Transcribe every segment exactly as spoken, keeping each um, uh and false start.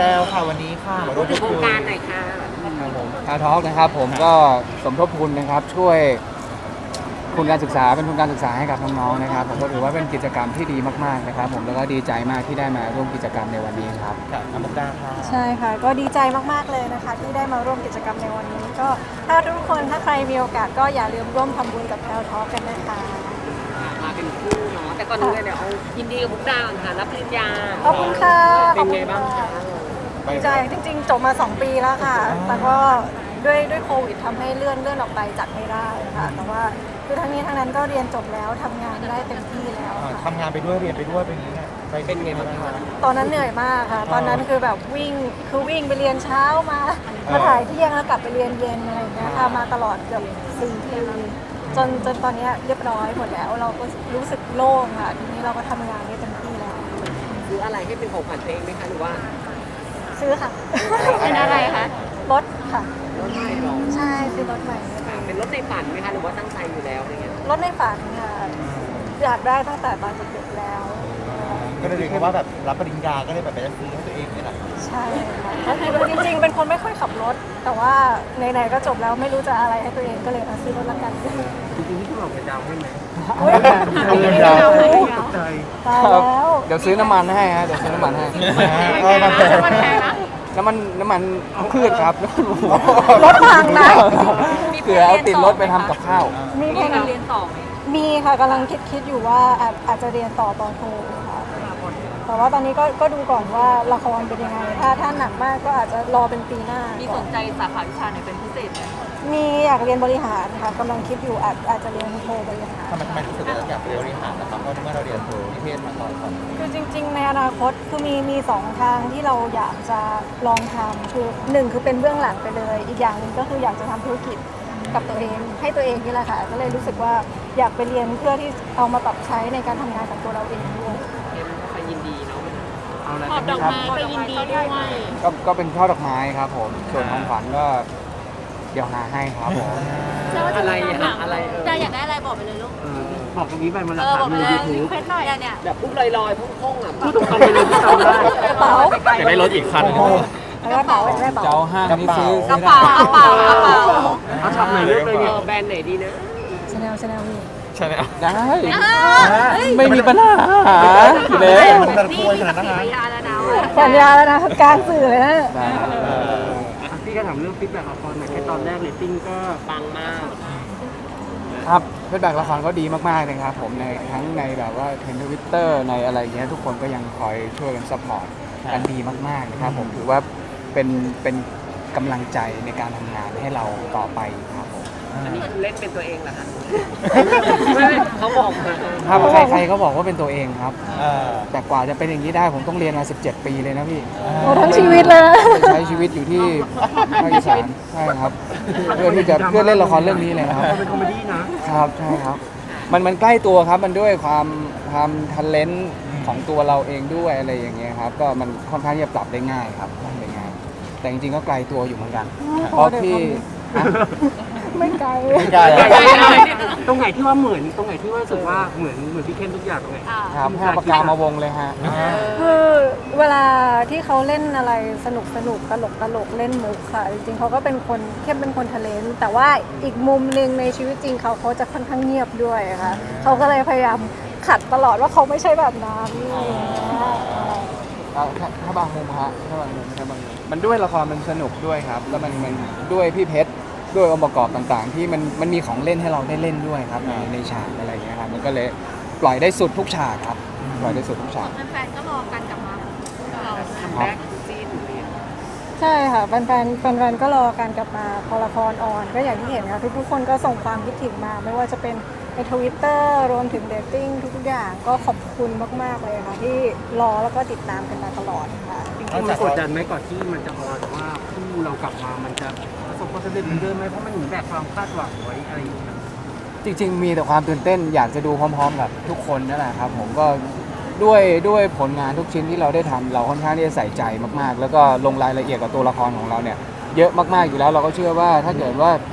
พรวค่ะวันนี้ค่ะมาร่วมพูดโครคุงยการหน่อยค่ะครับผมคาทอล์กนะครับผมก็สมทบทุนนะครับช่วยทุนการศึกษาเป็นทุนการศึกษาให้กับน้องๆนะครับผมก็ถือว่าเป็นกิจกรรมที่ดีมากๆนะครับผมแล้วก็ดีใจมากที่ได้มาร่วมกิจกรรมในวันนี้ครับค่ะน้ำมุกดาค่ะใช่ค่ะก็ดีใจมากๆเลยนะคะที่ได้มาร่วมกิจกรรมในวันนี้ก็ถ้าทุกคนถ้าใครมีโอกาสก็อย่าลืมร่วมทำบุญกับแพลวทอล์กกันนะคะมาเป็นคู่เนาะแต่ก่อนอื่นเลยเดี๋ยวเอายินดีกับมุกดาก่อนค่ะรับปริญญาขอบคุณค่ะเป็นไงบ้างคะดีใจจริงๆจบมาสองปีแล้วค่ะ แต่ก็ด้วยด้วยโควิดทำให้เลื่อนเลื่อนออกไปจัดไม่ได้ค่ะ แต่ว่าคือทั้งนี้ทั้งนั้นก็เรียนจบแล้วทำงานได้เต็มที่แล้วค่ะทำงานไปด้วยเรียนไปด้วยเป็นอย่างนี้เนี่ยเป็นไงบ้างคะตอนนั้นเหนื่อยมากค่ะ ตอนนั้นคือแบบวิ่งคือวิ่งไปเรียนเช้ามามาถ่ายเที่ยงแล้วกลับไปเรียนเย็นอะไรอย่างเงี้ยค่ะมาตลอดเกือบสี่ปีจนจนตอนนี้เรียบร้อยหมดแล้ว เราก็รู้สึกโล่งค่ะทีนี้เราก็ทำงานได้เต็มที่แล้วซื้ออะไรให้เป็นของขวัญตัวเองไหมคะหรือว่าซื้อค่ะเป็นอะไรคะรถค่ะรถใหม่หรอใช่ซื้อรถใหม่ค่ะเป็นรถในฝันไหมคะหรือว่าตั้งใจอยู่แล้วอะไรเงี้ยรถในฝันค่ะอยากได้ตั้งแต่ตอนเด็กๆแล้วก็เลยเรียกว่าแบบรับปริญญาก็เลยแบบไปซื้อให้ตัวเองนี่แหละใช่ค่ะก็คือจริงๆ เป็นคนไม่ค่อยขับรถ แต่ว่าไหนๆก็จบแล้วไม่รู้จะอะไรให้ตัวเองก็เลยมาซื้อรถละกันจริงๆที่คุณบอกเป็นดาวให้ไหมอุ๊ยเอาเงินดาวน์ตายแล้วเดี๋ยวซื้อน้ำมันให้ฮะเดี๋ยวซื้อน้ำมันให้เออมาแพงน้ำมันน้ำมันพืชครับรถพังนะเผื่อเอาติดรถไปทำกับข้าวมีแค่นั้นเรียนต่อไหมมีค่ะกำลังคิดคิดอยู่ว่าอาจอาจจะเรียนต่อปอโทค่ะแต่ว่าตอนนี้ก็ก็ดูก่อนว่าละครเป็นยังไง ถ้าถ้าหนักมากก็อาจจะรอเป็นปีหน้ามีมีสนใจสาขาวิชาไหนเป็นพิเศษไหมมีอยากเรียนบริหารค่ะกำลังคิดอยู่อาจอาจจะเรียนโทบริหารทำไมทำไมรู้สึกว่าอยากเรียนบริหารนะครับเพราะเมื่อเราเรียนโทนิเทศมาก่อนก่อนคือจริงๆ ในอนาคตคือมีมีสองทางที่เราอยากจะลองทำคือหนึ่งคือเป็นเบื้องหลังไปเลย อีกอย่างหนึ่งก็คืออยากจะทำธุรกิจกับตัวเองให้ตัวเองนี่แหละค่ะก็เลยรู้สึกว่าอยากไปเรียนเพื่อที่เอามาปรับใช้ในการทำงานกับตัวเราเองด้วยเอ็มก็ไปยินดีเนาะเอาอะไรขอบดอกไม้ไปยินดีด้วยก็ก็เป็นช่อดอกไม้ครับผมส่วนของขวัญก็เดี๋ยวหาให้ครับผมอะไรอะอะไรเออจะอยากได้อะไรบอกไปเลยลูกบอกตรงนี้ไปมันเอราอคาบอกไปดูเลยยูทูบเพชรหน่อยเนี่ยแบบพูดลอยๆพุ่งๆอ่ะพูดตรงๆไปเลยที่จำได้กระเป๋าอยากได้รถอีกคันกระเป๋าอยากได้กระเป๋าเจ้าห้างนี่ซื้อกระเป๋ากระเป๋ากระเป๋าเอาช็อปไหนเลือกเลยเอเนี่ยอแบรนด์ไหนดีนะชาแนลชาแนลนี่ใช่ไหมอ่ะได้เฮ้ยไม่มีปัญหาเลยมันจะควรขนาดนั้นสี่นะพยานแล้วนะสัญญาแล้วนะกลางสื่อเลยนะได้อ่ะพี่ก็ถามเรื่องฟีดแบ็กละครหน่อยแค่ตอนแรกเรตติ้งก็ปังมากครับฟีดแบ็กละครก็ดีมากๆเลยครับผมในทั้งในแบบว่าเทรนด์ทวิตเตอร์ในอะไรเงี้ยทุกคนก็ยังคอยช่วยกันซัพพอร์ตกันดีมากๆนะครับผมถือว่าเป็นเป็นกำลังใจในการทำงานให้เราต่อไปครับผมอันนี้คือเล่นเป็นตัวเองเหรอคะไม่ไม่เขาบอกมาครับใครๆก็บอกว่าเป็นตัวเองครับเออแต่กว่าจะเป็นอย่างนี้ได้ผมต้องเรียนมาสิบเจ็ดปีเลยนะพี่โอ้ทั้งชีวิตเลยนะใช้ชีวิตอยู่ที่ภาคอีสานใช่ครับ เพื่อที่จะเพื่อเล่นละครเรื่องนี้เลยนะครับเป็นคอมเมดี้นะครับใช่ครับ มันมันใกล้ตัวครับมันด้วยความความทันเลนต์ของตัวเราเองด้วยอะไรอย่างเงี้ยครับก็มันค่อนข้างที่จะปรับได้ง่ายครับปรับได้ง่าย แต่จริงๆก็ไกลตัวอยู่เหมือนกันเพราะที่อ่ะไม่ไกลไม่ไกลอะตรงไหนที่ว่าเหมือนตรงไหนที่ว่ารู้สึกว่าเหมือนเหมือนพี่เข้มทุกอย่างตรงไหนครับให้เอาปากกามาวงเลยฮะคือเวลาที่เขาเล่นอะไรสนุกสนุกตลกตลกเล่นมุกค่ะ จริงๆเขาก็เป็นคนเข้มเป็นคนทะเลนแต่ว่าอีกมุมหนึ่งในชีวิตจริงเขาเขาจะค่อนข้างเงียบด้วยค่ะเขาก็เลยพยายามขัดตลอดว่าเขาไม่ใช่แบบนั้นอะไรอย่างเงี้ยเอาถ้าถ้าบางมุมฮะถ้าบางมุมถ้าบางมุมมันด้วยละครมันสนุกด้วยครับ แล้วมันมันด้วยพี่เพชรด้วยองค์ประกอบต่างๆ ที่มันมันมีของเล่นให้เราได้เล่นด้วยครับในในฉากอะไรอย่างเงี้ยครับมันก็เลยปล่อยได้สุดทุกฉากครับปล่อยได้สุดทุกฉากแฟนๆก็รอกันกลับมาเราทำแบ็กซีนอยู่เนี่ยใช่ค่ะแฟนๆแฟนๆก็รอการกลับมาพอละครออนก็อย่างที่เห็นค่ะทุกๆคนก็ส่งความคิดถึงมา ไม่ว่าจะเป็นในทวิตเตอร์รวมถึงเดตติ้งทุกๆอย่างก็ขอบคุณมากๆเลยค่ะที่รอแล้วก็ติดตามกันมาตลอดค่ะจริงๆมันกดดันไหมก่อนที่มันจะออนว่าคู่เรากลับมามันจะประสบความสำเร็จเหมือนเดิมไหมเพราะมันเหมือนแบบความคาดหวังไว้อะไรอย่างเงี้ยจริงๆ มีแต่ความตื่นเต้นอยากจะดูพร้อมๆกับทุกคนนั่นแหละครับผมก็ด้วยด้วยผลงานทุกชิ้นที่เราได้ทำเราค่อนข้างที่จะใส่ใจมากๆ แล้วก็ลงรายละเอียดกับตัวละครของเราเนี่ยเยอะมากๆอยู่แล้วเราก็เชื่อว่าถ้าเกิดว่า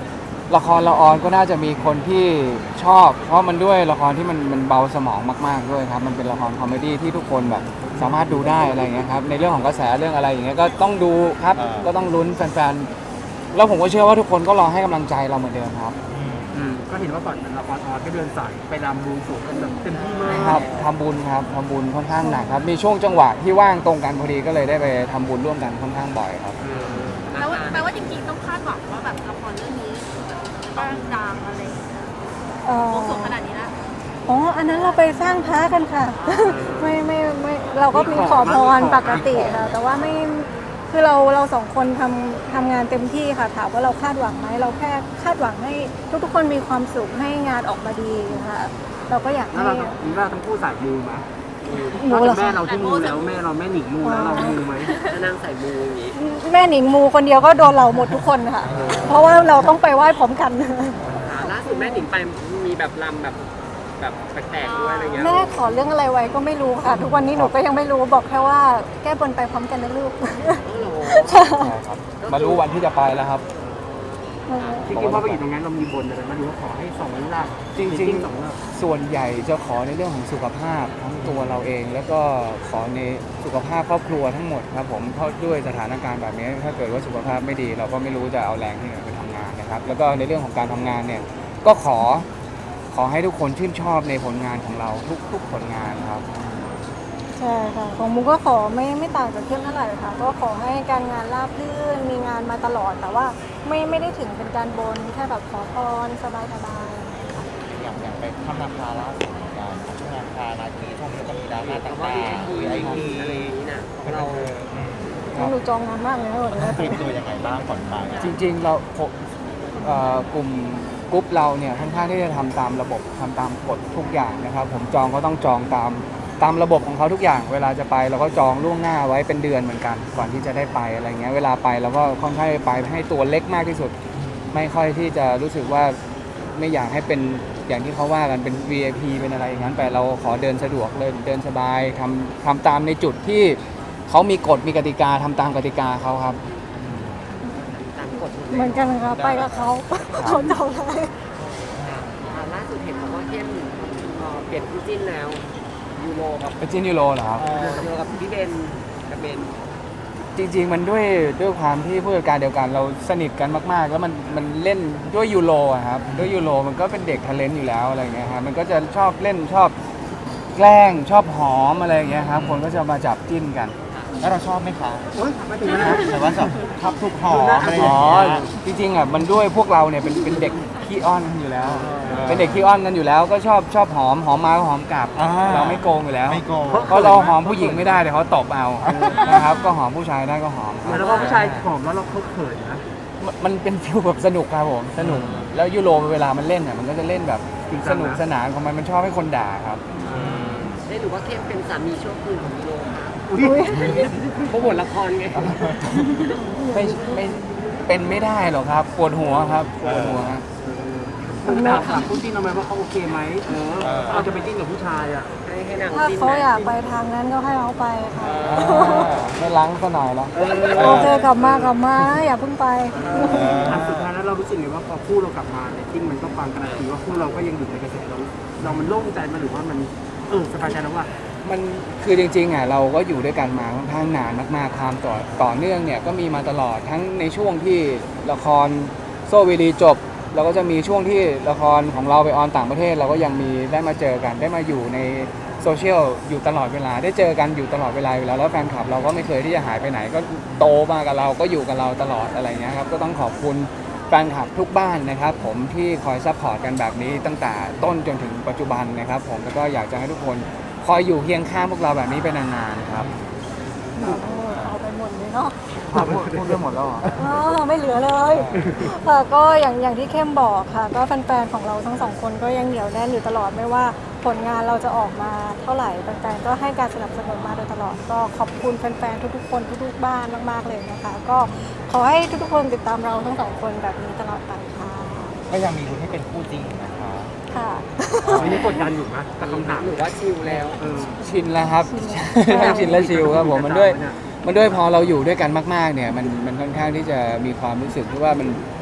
ละครละออนก็น่าจะมีคนที่ชอบ เพราะมันด้วยละครที่มันมันเบาสมองมากๆด้วยครับมันเป็นละครคอมเมดี้ที่ทุกคนแบบสามารถดูได้อะไรอย่างเงี้ยครับในเรื่องของกระแสเรื่องอะไรอย่างเงี้ยก็ต้องดูครับก็ต้องลุ้นแฟนๆแล้วผมก็เชื่อว่าทุกคนก็รอให้กำลังใจเราเหมือนเดิมครับอืมก็เห็นว่าก่อนละครออนก็เดินสายไปรำบวงสรวงกันแบบเต็มที่มากครับทำบุญครับทำบุญค่อนข้างหนักครับมีช่วงจังหวะที่ว่างตรงกันพอดีก็เลยได้ไปทำบุญร่วมกันค่อนข้างบ่อยครับเออแปลว่าแปลว่าจริงๆต้องคาดหวังว่าแบบละครเรื่องนี้ต้องดังอะไรอย่างเงี้ยเอ่อโอ้สูงขนาดนี้ละอ๋ออันนั้นเราไปสร้างพระกันค่ะ ไม่ไม่ไม่เราก็มีขอพรปกติค่ะแต่ว่าไม่คือเราเราสองคนทำทำงานเต็มที่ค่ะถามว่าเราคาดหวังไหมเราแค่คาดหวังให้ทุกๆคนมีความสุขให้งานออกมาดีค่ะเราก็อยากแล้วให้เรามีว่าทั้งคู่สายมูไหมมูเหรอแม่คะเราที่มูแล้วแม่เราแม่หนิงมูแล้วเรามูไหมถ้านั่งใส่มูอย่างนี้แม่หนิงมูคนเดียวก็โดนเราหมดทุกคนค่ะ เพราะว่าเราต้องไปไหว้พร้อมกันอ่าล่าสุดแม่หนิงไปมีแบบลำแบบแบบแปลกๆด้วยอะไรเงี้ยแม่ขอเรื่องอะไรไว้ก็ไม่รู้ค่ะ ทุกวันนี้หนูก็ยังไม่รู้บอกแค่ว่าแก้บนไปพร้อมกันนะลูกโอ้โหใช่ครับมารู้วันที่จะไปแล้วครับที่คิดว่าไปอยู่ตรงนั้นเรามีบนอะไรมาดูว่าขอให้สองหลักจริงสองหลักๆ ส่วนใหญ่จะขอในเรื่องของสุขภาพทั้งตัวเราเอง แล้วก็ขอในสุขภาพครอบครัวทั้งหมดครับผมเพราะด้วยสถานการณ์แบบนี้ถ้าเกิดว่าสุขภาพไม่ดี เราก็ไม่รู้จะเอาแรงที่ไหนไปทำงานนะครับแล้วก็ในเรื่องของการทำงานเนี่ยก็ขอขอให้ทุกคนชื่นชอบในผลงานของเราทุกๆผลงานครับใช่ค่ะของมุกก็ขอไม่ไม่ต่างจากเข้มเท่าไหร่ค่ะก็ขอให้การงานราบรื่นมีงานมาตลอดแต่ว่าไม่ไม่ได้ถึงเป็นการบนแค่แบบขอพรสบายสบายอย่างอย่างไปทำนาคาล่าสุดเหมือนกันทำนาคานาคีช่วงนี้ก็มีดราม่าแต่ต่างว่าๆมีวีไอไอพีพีอะไรอย่างนี้นะเราหนูจองงานมากเลยนะวันนี้เตรียมตัวยังไงบ้างก่อนไปจริงๆเราผมเอ่อกลุ่มกรุ๊ปเราเนี่ยค่อนข้างที่จะทำตามระบบทำตามกฎทุกอย่างนะครับ ผมจองก็ต้องจองตามตามระบบของเขาทุกอย่าง เวลาจะไปเราก็จองล่วงหน้าไว้เป็นเดือนเหมือนกัน ก่อนที่จะได้ไปอะไรเงี้ยเวลาไปเราก็ค่อนข้างไปให้ตัวเล็กมากที่สุด ไม่ค่อยที่จะรู้สึกว่าไม่อยากให้เป็นอย่างที่เขาว่ากันเป็น วี ไอ พี เป็นอะไรอย่างนั้นแต่เราขอเดินสะดวกเลยเดินสบายทำทำตามในจุดที่เขามีกฎมีกติกาทำตามกติกาเขาครับตามกฎเหมือนกันค่ะไปกับเขาเขาจองได้อ่าล่าสุดเห็นบอกว่าเข้มเอ่อเปลี่ยนคู่จิ้นแล้วยูโรกับเป็นจินยูโรเหรอครับเอ่อยูโรกับพี่เบนกับเบนจริงๆมันด้วยด้วยความที่ผู้จัดการเดียวกันเราสนิทกันมากๆ แล้วมันมันเล่นด้วยยูโรอะครับด้วยยูโรมันก็เป็นเด็กทะเลนต์อยู่แล้วอะไรเงี้ยครับมันก็จะชอบเล่นชอบแกล้งชอบหอมอะไรอย่างเงี้ยครับคนก็จะมาจับจิ้นกันแล้วเราชอบไหมคะโอ๊ยไม่ถึงนะแต่ว่าแบบชอบทุกหอมอะไรออ๋ย่าองเงี้ยจริงๆอ่ะมันด้วยพวกเราเนี่ยเป็นเป็นเด็กขี้อ้อนกันอยู่แล้ว เป็นเด็กขี้อ้อนกันอยู่แล้ว ก็ชอบชอบหอมหอมมาก็หอมกลับอ่าเราไม่โกงอยู่แล้วไม่โกงเพราะเราหอมผู้หญิงไม่ได้เดี๋ยวเขาตบเอานะครับก็หอมผู้ชายได้ก็หอมครับแล้วก็ผู้ชายหอมแล้วเราเขาเขินนะมันมันเป็นฟิลแบบสนุกครับผมสนุกแล้วยูโรเวลามันเล่นเนี่ยมันก็จะเล่นแบบสนุกสนานของมันมันชอบให้คนด่าครับได้ดูว่าเข้มเป็นสามีชั่วคืนของยูโรค่ะอุ๊ยเพราะบทละครไงไม่ไม่เป็นไม่ได้หรอกครับปวดหัวครับปวดหัวครับคุณแม่ถามคุณจิ้นทำไมว่าเขาโอเคไหมเออเราจะไปจิ้นกับผู้ชายอ่ะให้ให้นางถ้าจิ้นเขาไหมอยากไปทางนั้นก็ให้เขาไปค่ะไม่ล้างซะหน่อยแล้วโอเคกลับมากลับมาอย่าเพิ่งไปอันสุดท้ายแล้วเรารู้สึกไงว่าพอคู่เรากลับมาเนี่ยจริงมันก็ฟังการันตีว่าคู่เราก็ยังอยู่ในกระแสเราเรามันโล่งใจมาหรือว่ามันเออสบายใจแล้วว่ามันคือจริงๆอ่ะเราก็อยู่ด้วยกันมาค่อนข้างนานมากๆความต่อต่อเนื่องเนี่ยก็มีมาตลอดทั้งในช่วงที่ละครโซเวลีจบเราก็จะมีช่วงที่ละครของเราไปออนต่างประเทศ เราก็ยังมีได้มาเจอกันได้มาอยู่ในโซเชียลอยู่ตลอดเวลาได้เจอกันอยู่ตลอดเวลาอยู่แล้วแล้วแฟนคลับเราก็ไม่เคยที่จะหายไปไหนก็โตมากับเราก็อยู่กับเราตลอดอะไรเงี้ยครับก็ต้องขอบคุณแฟนคลับทุกบ้านนะครับผมที่คอยซัพพอร์ตกันแบบนี้ตั้งแต่ต้นจนถึงปัจจุบันนะครับผมแล้วก็อยากจะให้ทุกคนคอยอยู่เคียงข้างพวกเราแบบนี้ไปนานๆครับเอาไปหมดเลยเนาะพูดพูดเรื่องหมดแล้วเหรออ๋อไม่เหลือเลยค่ะก็อย่างอย่างที่เข้มบอกค่ะ ก็แฟนๆของเราทั้งสองคนก็ยังเหนียวแน่นอยู่ตลอดไม่ว่าผลงานเราจะออกมาเท่าไหร่แฟนๆก็ให้การสนับสนุนมาโดยตลอด ก็ขอบคุณแฟนๆทุกๆคนทุกๆบ้านมากๆเลยนะคะ ก็ขอให้ทุกๆคนติดตามเราทั้งสองคนแบบนี้ตลอดไปค่ะก็ยังมีลุ้นให้เป็นคู่จริงนะคะค่ะไม่ได้กดดันอยู่นะแต่คำถามหรือว่าชิลแล้วเออชินแล้วครับ ทั้งชินและชิลครับผมมันด้วยมันด้วยพอเราอยู่ด้วยกันมากๆเนี่ยมันมันค่อนข้างที่จะมีความรู้สึกที่ว่ามัน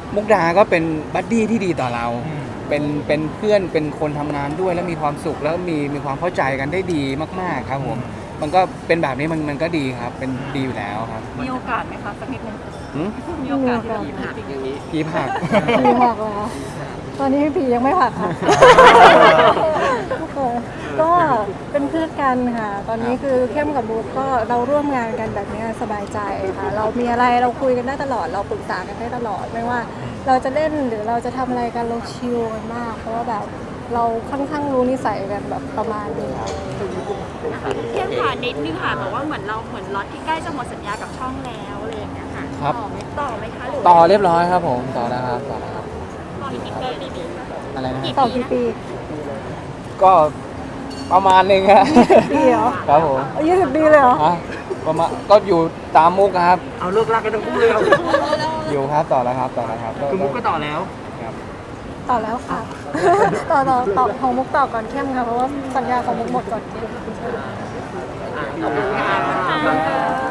มุกดาก็เป็นบัดดี้ที่ดีต่อเราอืมเป็นเป็นเพื่อนเป็นคนทำงานด้วยแล้วมีความสุขแล้วมีมีความเข้าใจกันได้ดีมากๆครับผมมันก็เป็นแบบนี้มันมันก็ดีครับเป็นดีอยู่แล้วครับมีโอกาสไหมคะสักนิดนึงหืมมีโอกาสที่ผีจะผักอย่างนี้ผีผักผีผักเหรอตอนนี้ผียังไม่ผักค่ะ ก็เป็นเพื่อนกันค่ะ ตอนนี้คือเข้มกับบุ๊กก็เราร่วมงานกันแบบนี้สบายใจค่ะ เรามีอะไรเราคุยกันได้ตลอด เราปรึกษากันได้ตลอด ไม่ว่าเราจะเล่นหรือเราจะทำอะไรกันเราชิลกันมาก เพราะว่าแบบเราค่อนข้างรู้นิสัยกันแบบประมาณนึงเทียมผ่านนิดนึงค่ะบอกว่าเหมือนเราเหมือนล็อตที่ใกล้จะหมดสัญญากับช่องแล้วอะไรอย่างเงี้ยค่ะครับต่อไหมต่อไหมคะหรือต่อเรียบร้อยครับผมต่อแล้วครับต่อแล้วครับต่ออีกกี่ปีปีอะไรนะต่อกี่ปีก็ประมาณหนึงครับปีเหรอครับผมยี่สิบปีเลยเหรอฮะประมาณก็อยู่ตามมุกครับเอาเลิกลากกันทั้งคู่เลยเอาอยู่ครับต่อแล้วครับต่อแล้วครับคือมุกก็ต่อแล้วครับต่อแล้วค่ะ ต่อต่อต่อของมุกต่อก่อนเข้มค่ะ เพราะว่าสัญญาของมุกหมดก่อนเข้มอ่ะขอบคุณค่ะ